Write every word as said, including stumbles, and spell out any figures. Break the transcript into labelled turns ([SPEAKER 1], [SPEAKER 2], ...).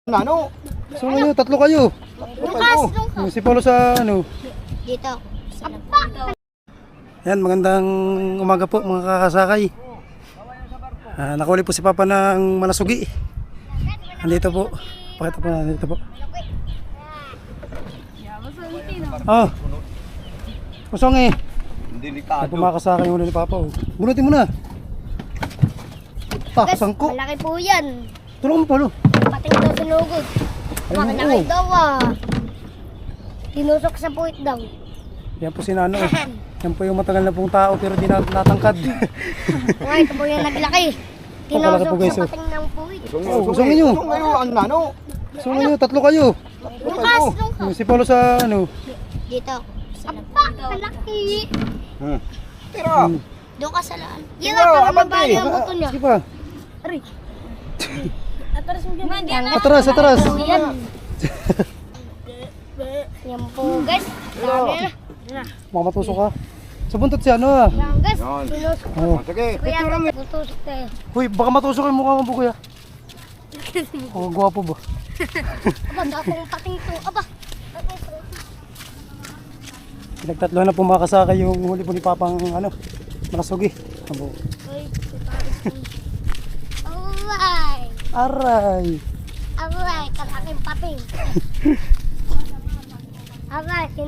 [SPEAKER 1] Ano?
[SPEAKER 2] So ano, tatlo kayo.
[SPEAKER 1] Lukas!
[SPEAKER 2] Yung si Paulo sa ano.
[SPEAKER 3] Dito.
[SPEAKER 2] Yan, magandang umaga po mga kakasakay. Ah, nakuli po si Papa ng malasugi. Andito po. Pakita po na dito po. Oh. Kusong eh.
[SPEAKER 1] Delikado.
[SPEAKER 2] Pumakasakay yung ulo ni Papa. Oh. Bunutin mo na. Ah, sangko.
[SPEAKER 3] Malaki po yan.
[SPEAKER 2] Tulungan mo, Paulo.
[SPEAKER 3] Pating daw sinugod.
[SPEAKER 2] Ayun,
[SPEAKER 3] Malaki
[SPEAKER 2] oo.
[SPEAKER 3] daw ah. Tinusok sa puwit daw.
[SPEAKER 2] Yan po si Nano. Eh. Yan po yung matagal na pong tao pero di na natangkad.
[SPEAKER 3] Okay, ito po yung naglaki.
[SPEAKER 2] Pakalaki po,
[SPEAKER 3] Tinusok
[SPEAKER 2] guys,
[SPEAKER 3] sa
[SPEAKER 2] oh.
[SPEAKER 3] pating ng puwit.
[SPEAKER 2] Oh, kusongin nyo.
[SPEAKER 1] Kusong ngayon, ano na, ano?
[SPEAKER 2] So ano, tatlo kayo.
[SPEAKER 3] Lukas! Lukas!
[SPEAKER 2] Yung si Paulo sa ano.
[SPEAKER 3] Dito. Apa! Malaki!
[SPEAKER 1] Hmm. Tira!
[SPEAKER 3] Doon ka sa laan. Yan
[SPEAKER 1] Tira,
[SPEAKER 3] nga, para
[SPEAKER 1] abante.
[SPEAKER 3] mabali ang buto niya.
[SPEAKER 2] Sige pa.
[SPEAKER 3] Ari. Atras mo dyan.
[SPEAKER 2] Atras, atras.
[SPEAKER 3] Yan. Yan po guys. Dami na.
[SPEAKER 2] Baka matusok ka. Sa buntot si ano ah.
[SPEAKER 3] Yan guys.
[SPEAKER 1] Yan.
[SPEAKER 3] Tinusok.
[SPEAKER 2] Oh.
[SPEAKER 1] Sige,
[SPEAKER 3] Kuya,
[SPEAKER 1] picture mo.
[SPEAKER 3] tutusok tayo.
[SPEAKER 2] Uy, baka matusok yung mukha mo po kuya. Oh, gwapo ba?
[SPEAKER 3] Aba, dakong pating to. Aba.
[SPEAKER 2] Pinagtatlo na pumakasakay yung huli po ni Papang ano, malasugi. Abo.
[SPEAKER 3] Alright.
[SPEAKER 2] Aray.
[SPEAKER 3] Alright. Ang aking pating. Alright.